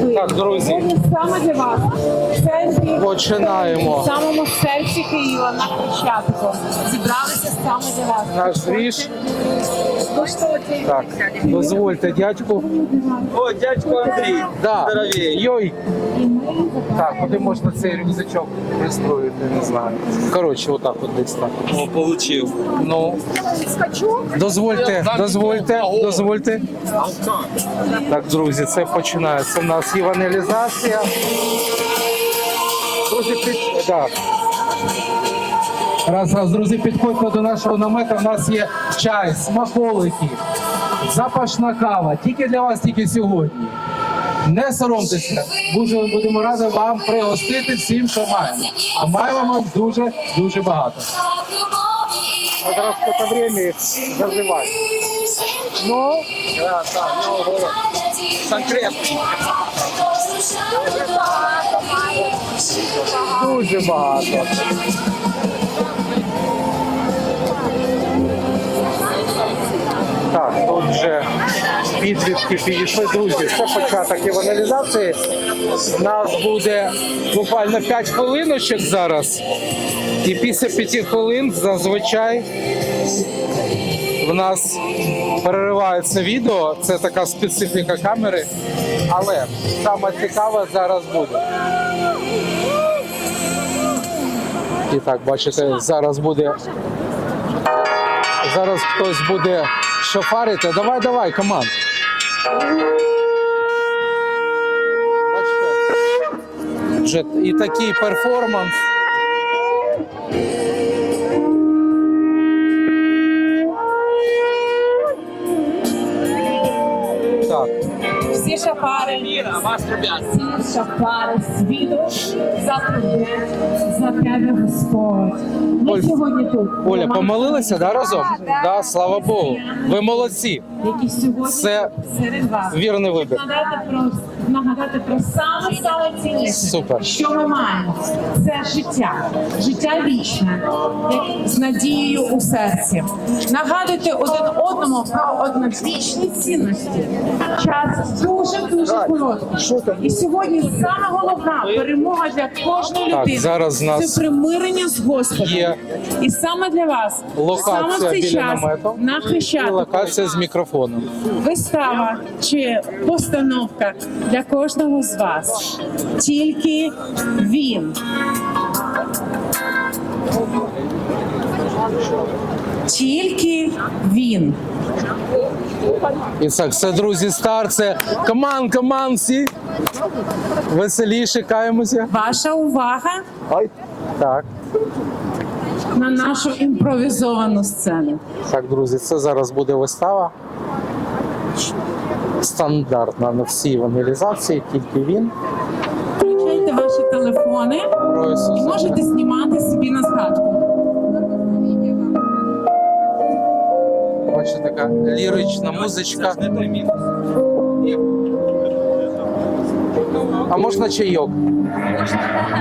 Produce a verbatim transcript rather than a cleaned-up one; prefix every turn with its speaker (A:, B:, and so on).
A: Так, друзі.
B: Сьогодні саме для вас. В центрі.
A: Починаємо.
B: В самому серці Києва на Хрещатику. Зібралися саме для вас.
A: Наш двіж.
B: Коштуйте.
A: Так, дозвольте дядьку.
C: О, дядько Андрій,
A: Да.
C: здоровей.
A: Йой. Так, куди можна цей рюкзачок пристроїти, не знаю. Коротше, отак от десь так.
C: О, получив.
A: Ну, дозвольте, дозвольте, дозвольте. Так, друзі, це починається. У нас євангелізація. Друзі, під... да. Раз, раз, друзі, підходьте до нашого намета. У нас є чай, смаколики, запашна кава. Тільки для вас, тільки сьогодні. Не соромтеся, дуже будемо раді вам пригостити всім, що маємо. А маємо ми дуже-дуже багато. А зараз по времени заживай. Ну,
C: Да, так, ну, конкретно.
A: дуже багато. Так, тут вже підлітки підійшли. Друзі, це початок євангелізації. У нас буде буквально п'ять хвилиночок зараз. І після п'яти хвилин зазвичай в нас переривається відео. Це така специфіка камери. Але саме цікаве зараз буде. І так, бачите, зараз буде... Зараз хтось буде шофарити. Давай, давай, команд. Бачите? Вже і такий перформанс. Так.
B: Всі шафари, всі шафари світу затруднять за тебе Господь. Ми
A: Оль,
B: сьогодні тут.
A: Оля, помолилися, да, разом? Да, слава Богу. Ви молодці.
B: Які сьогодні
A: Це
B: серед вас.
A: вірний вибір.
B: Нагадати про, нагадати про саме саме цінніше,
A: Супер.
B: що ми маємо. Це життя, життя вічне, як з надією у серці. Нагадуйте один одному про одновічні цінності. Час дуже-дуже короткий. І сьогодні саме головна перемога для кожної
A: Так,
B: людини
A: зараз у нас
B: це примирення з Господом.
A: є
B: І саме для вас, саме в
A: локація
B: цей
A: біля
B: час
A: намету
B: на
A: і
B: Хрещатику
A: локація з мікрофоном.
B: вистава чи постановка для кожного з вас. Тільки він. Тільки він.
A: І так, це, друзі, стар, це команд, команд, всі. Веселіше, каємося.
B: Ваша увага
A: Ай. Так.
B: на нашу імпровізовану сцену.
A: Так, друзі, це зараз буде вистава. Стандартна на всій евангелізації, тільки він.
B: Включайте ваші телефони
A: Про
B: і
A: Ісуса.
B: можете знімати собі на згадку.
A: Бачите, така лірична музичка. А можна чайок?